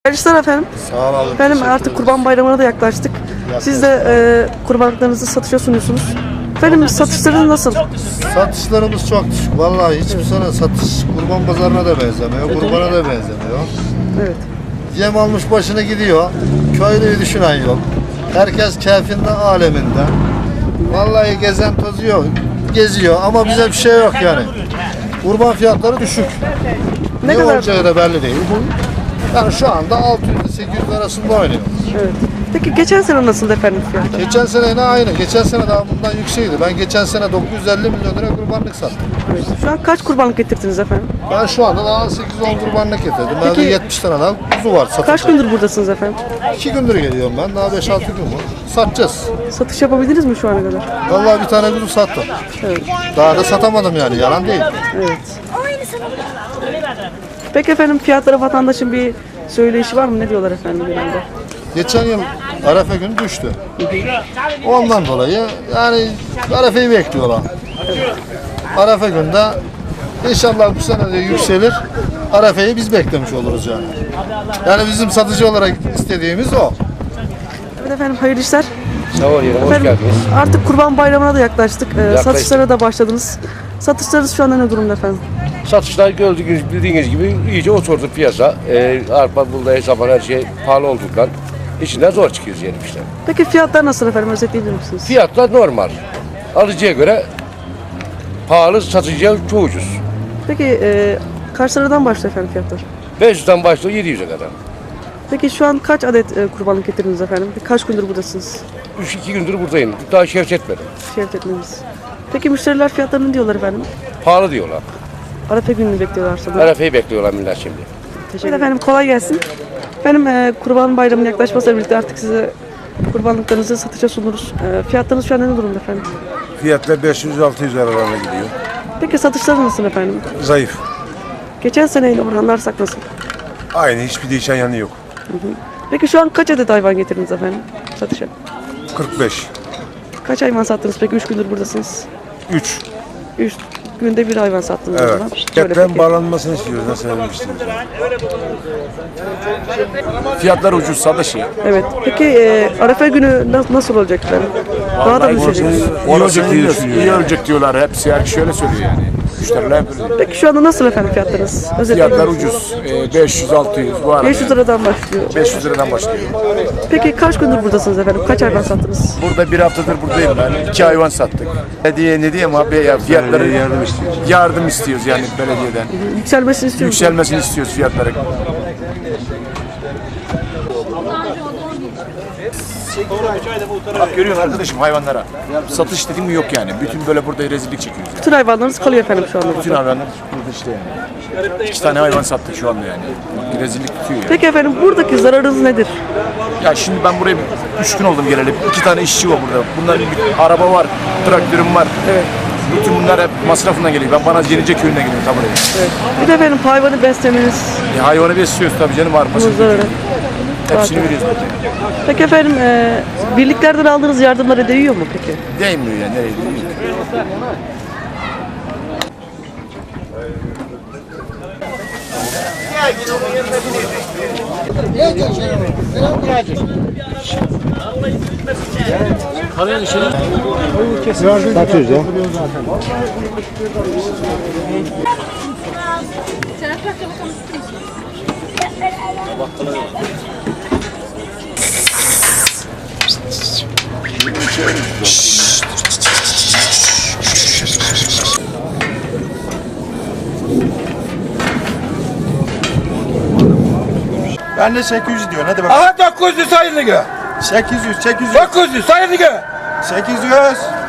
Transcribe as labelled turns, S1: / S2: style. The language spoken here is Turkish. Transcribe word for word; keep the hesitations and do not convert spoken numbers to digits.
S1: Arkadaşlar efendim.
S2: Sağ olun.
S1: Efendim artık Kurban Bayramı'na da yaklaştık.
S2: Yaklaştık.
S1: Siz de e, kurbanlıklarınızı satışa sunuyorsunuz. Efendim satışlarınız nasıl?
S2: Satışlarımız çok düşük. Vallahi hiçbir sene satış kurban pazarına da benzemiyor, kurbana da benzemiyor.
S1: Evet.
S2: Yem almış başını gidiyor. Köylüyü düşünen yok. Herkes keyfinde, aleminde. Vallahi gezen tozuyor, geziyor ama bize bir şey yok yani. Kurban fiyatları düşük.
S1: Ne
S2: Ne,
S1: kadar?
S2: olacağı da belli değil. Yani şu anda altı yüz sekiz yüz arasında oynuyor.
S1: Evet. Peki geçen sene nasıldı efendim fiyatlar?
S2: Geçen sene yine aynı. Geçen sene daha bundan yüksekti. Ben geçen sene dokuz yüz elli milyon lira kurbanlık sattım.
S1: Evet. Şu an kaç kurbanlık getirdiniz efendim?
S2: Ben şu anda daha sekiz on kurbanlık getirdim. Bende
S1: Peki-
S2: yetmiş tane daha kuzu var satacak.
S1: Kaç gündür buradasınız efendim?
S2: İki gündür geliyorum ben. Daha beş altı gün var. Satacağız.
S1: Satış yapabildiniz mi şu ana kadar?
S2: Vallahi bir tane kuzu sattım.
S1: Evet.
S2: Daha da satamadım yani. Yalan değil.
S1: Evet. Peki efendim fiyatlara vatandaşın bir söyleyişi var mı? Ne diyorlar efendim genelde?
S2: Geçen yıl Arefe günü düştü. Ondan dolayı yani Arefe'yi bekliyorlar. Arefe günde inşallah bu sene de yükselir. Arefe'yi biz beklemiş oluruz yani. Yani bizim satıcı olarak istediğimiz o.
S1: Evet efendim hayırlı işler.
S3: Sağ ol yerim, hoş
S1: Efendim,
S3: geldiniz.
S1: artık Kurban Bayramı'na da yaklaştık. Ee,
S3: Yaklaştık.
S1: Satışlara da başladınız. Satışlarınız şu anda ne durumda efendim?
S3: Satışlar gördüğünüz, bildiğiniz gibi iyice oturdu piyasa. Ee, arpa, buğday, sapan her şey pahalı olduğundan içinden zor çıkıyoruz yerim işte.
S1: Peki fiyatlar nasıl efendim? Özetleyebilir misiniz?
S3: Fiyatlar normal. Alıcıya göre pahalı, satıcıya çok ucuz.
S1: Peki e, kaç liradan başlıyor efendim fiyatlar?
S3: beş yüzden başlıyor yedi yüze kadar.
S1: Peki şu an kaç adet e, kurbanlık getirdiniz efendim? Kaç gündür buradasınız?
S3: üç iki gündür buradayım. Daha şevç etmedim.
S1: Şevket etmeniz. Peki müşteriler fiyatlarını ne diyorlar efendim?
S3: Pahalı diyorlar.
S1: Arefe gününü bekliyorlar sanırım.
S3: Arefe'yi bekliyorlar millet şimdi.
S1: Teşekkür ederim. Efendim kolay gelsin. Benim e, Kurban Bayramı'nın yaklaşmasıyla birlikte artık size kurbanlıklarınızı satışa sunuruz. E, fiyatlarınız şu an ne durumda efendim?
S4: Fiyatlar beş yüz altı yüz aralarına gidiyor.
S1: Peki satışlar nasıl efendim?
S4: Zayıf.
S1: Geçen seneyle oranlarsak nasıl?
S4: Aynı, hiçbir değişen yanı yok.
S1: Peki şu an kaç adet hayvan getirdiniz efendim satışa?
S4: kırk beş.
S1: Kaç hayvan sattınız peki? Üç gündür buradasınız.
S4: üç.
S1: Üç günde bir hayvan sattınız o
S4: Evet.
S1: zaman. Şöyle
S4: Deprem
S1: peki.
S4: bağlanmasını istiyoruz. Nasıl istiyoruz?
S5: Fiyatlar ucuz, sadışı.
S1: Evet. Peki e, Arefe günü na- nasıl olacak efendim? Daha da mı düşecek?
S5: İyi olacak diyor, iyi olacak diyorlar. Hepsi her şöyle söylüyor yani. Müşteriler böyle diyor.
S1: Peki şu anda nasıl efendim fiyatlarınız? Özetleyin.
S5: Fiyatlar ucuz. Ee, beş yüz altı yüz bu arada.
S1: beş yüz liradan başlıyor.
S5: beş yüz liradan başlıyor.
S1: Peki kaç gündür buradasınız efendim? Kaç hayvan sattınız?
S5: Burada bir haftadır buradayım ben. İki hayvan sattık. Hediye ne diyeyim abi ya fiyatları
S4: yardım istiyoruz.
S5: yardım istiyoruz yani belediyeden.
S1: Yükselmesini istiyor musunuz?
S5: Yükselmesini istiyoruz fiyatları. Bak görüyorsun arkadaşım hayvanlara. Satış dediğim mi yok yani. Bütün böyle burada rezillik çekiyoruz yani.
S1: Bütün hayvanlarınız kalıyor efendim şu anda
S5: Bütün
S1: burada.
S5: hayvanlar burada işte yani. İki tane hayvan sattık şu anda yani. Rezillik bitiyor yani.
S1: Peki efendim buradaki zararınız nedir?
S5: Ya şimdi ben buraya bir- üç gün oldum geleli. İki tane işçi var burada. Bunların bir araba var, traktörüm var.
S1: Evet.
S5: Bütün bunlar hep masrafından geliyor. Ben bana Yenice köyünden geliyorum tam buraya.
S1: Evet. Bir de efendim hayvanı beslemeniz,
S5: E, hayvanı besliyoruz tabii canım
S1: bunun
S5: arpasını.
S1: zararı.
S5: Hepsini
S1: zaten.
S5: veriyoruz.
S1: Peki efendim e, birliklerden aldığınız yardımlara değiyor mu peki?
S5: Değmiyor yani. Nereye değmiyor?
S4: Satıyoruz ya.
S6: Ben de sekiz yüz diyor. Hadi bakalım.
S7: Aha dokuz yüz sayın gö.
S6: sekiz yüz, sekiz yüz,
S7: dokuz yüz sayın gö.
S6: sekiz yüz.